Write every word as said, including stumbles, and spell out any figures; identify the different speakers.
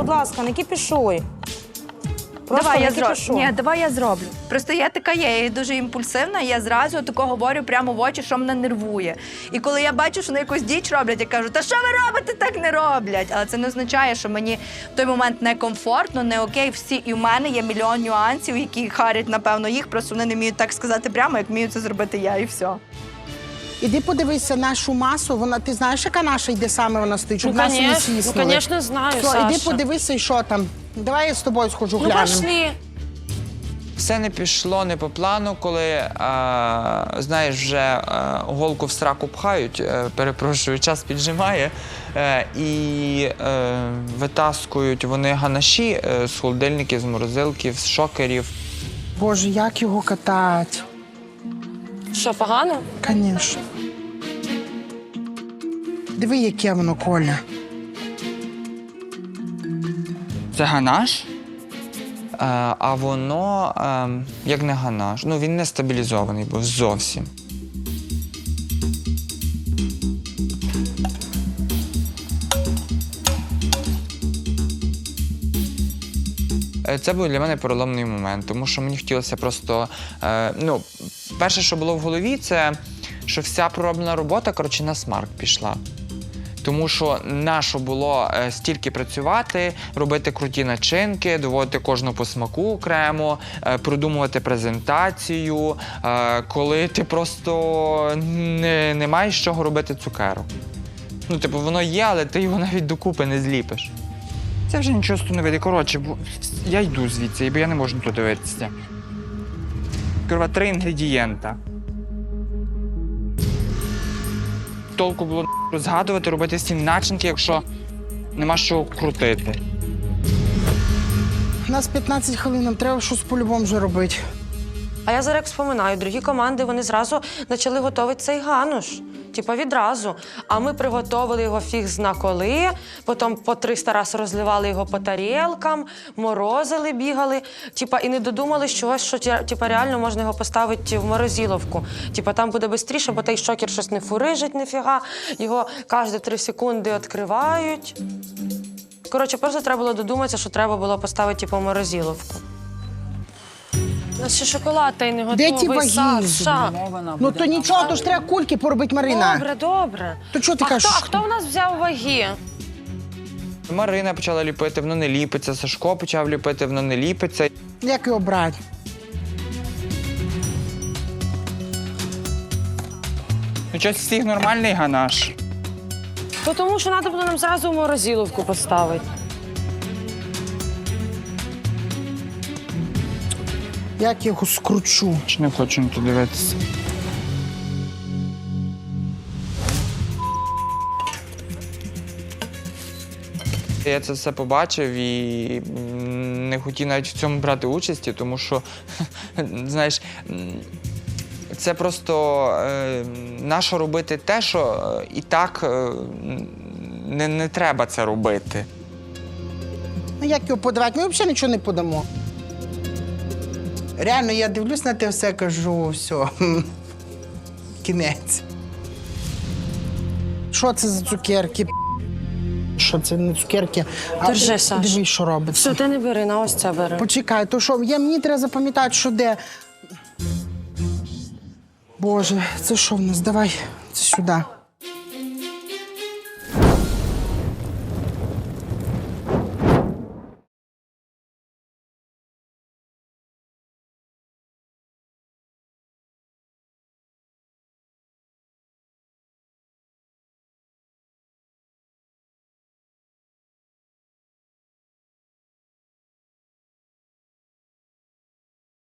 Speaker 1: будь ласка, не кіпішуй. Просто
Speaker 2: Давай
Speaker 1: не
Speaker 2: я зроблю.
Speaker 1: кіпішуй.
Speaker 2: Ні, давай я зроблю. Просто я така є, я дуже імпульсивна, і я зразу тако говорю прямо в очі, що мене нервує. І коли я бачу, що вони якусь діч роблять, я кажу, та що ви робите, так не роблять. Але це не означає, що мені в той момент некомфортно, не окей. Всі, і в мене є мільйон нюансів, які харять, напевно, їх, просто вони не вміють так сказати прямо, як вмію це зробити я, і все.
Speaker 3: Іди подивися нашу масу, вона, ти знаєш, яка наша йде саме вона стоїть, щоб
Speaker 1: Ну,
Speaker 3: нас не
Speaker 1: конечно, ну,
Speaker 3: сіснули.
Speaker 1: конечно, знаю,
Speaker 3: Все,
Speaker 1: Саша.
Speaker 3: іди подивися, і що там. Давай я з тобою схожу,
Speaker 1: Ну,
Speaker 3: глянемо.
Speaker 1: пошли.
Speaker 4: Все не пішло не по плану, коли, а, знаєш, вже а, голку в сраку пхають, е, перепрошую, час піджимає, е, і е, витаскують вони ганаші е, з холодильників, з морозилків, з шокерів.
Speaker 3: Боже, як його катати?
Speaker 1: Що, погано?
Speaker 3: Звісно. Диви, яке воно, Коля.
Speaker 4: Це ганаш, е, а воно е, як не ганаш. Ну, він не стабілізований був зовсім. Е, Це був для мене переломний момент, тому що мені хотілося просто, е, ну, перше, що було в голові, це що вся пророблена робота, коротше, на смарк пішла. Тому що нащо було е, стільки працювати, робити круті начинки, доводити кожну по смаку окремо, е, продумувати презентацію, е, коли ти просто не, не маєш з чого робити цукерок. Ну, типу, воно є, але ти його навіть докупи не зліпиш. Це вже нічого з того не вийде. Коротше, бо я йду звідси, бо я не можу тут дивитися. Корова, три інгредієнта. Толку було згадувати, робити всі начинки, якщо нема що крутити.
Speaker 3: У нас п'ятнадцять хвилин, нам треба щось по-любому вже робити.
Speaker 1: А я зараз як вспоминаю, другі команди, вони зразу почали готувати цей гануш. Типа відразу. А ми приготовили його фіг зна коли, потім по триста разів розливали його по тарілкам, морозили, бігали. Типа і не додумали чогось, що типа, реально можна його поставити в морозиловку. Типа там буде швидше, бо той шокер щось не фурижить ніфіга. Його кожні три секунди відкривають. Коротше, просто треба було додуматися, що треба було поставити типу, в морозиловку. У нас ще шоколад та й не
Speaker 3: Де
Speaker 1: готовий,
Speaker 3: ті ваги?
Speaker 1: Саша.
Speaker 3: Ну то нічого, то ж треба кульки поробити, Марина.
Speaker 1: Добре, добре.
Speaker 3: То чого ти
Speaker 1: а
Speaker 3: кажеш?
Speaker 1: Хто, а хто в нас взяв ваги?
Speaker 4: Марина почала ліпити, воно не ліпиться. Сашко почав ліпити, воно не ліпиться.
Speaker 3: Як його брати?
Speaker 4: Ну, щось всіх нормальний ганаш.
Speaker 1: То тому що треба було нам зразу в морозиловку поставити.
Speaker 3: Як його скручу?
Speaker 4: Чи не хочу на то дивитися. Я це все побачив і не хотів навіть в цьому брати участі, тому що, знаєш, це просто е, нащо робити те, що і так е, не, не треба це робити.
Speaker 3: Ну як його подавати? Ми взагалі нічого не подамо. Реально, я дивлюсь на те все, кажу, все, кінець. Що це за цукерки? Що це не цукерки? А
Speaker 1: Держи,
Speaker 3: ти
Speaker 1: Саш.
Speaker 3: Дивись, що робиться.
Speaker 1: Все, ти не бери, на ось це бери.
Speaker 3: Почекай, то що, я, мені треба запам'ятати, що де. Боже, це що в нас? Давай, це сюди.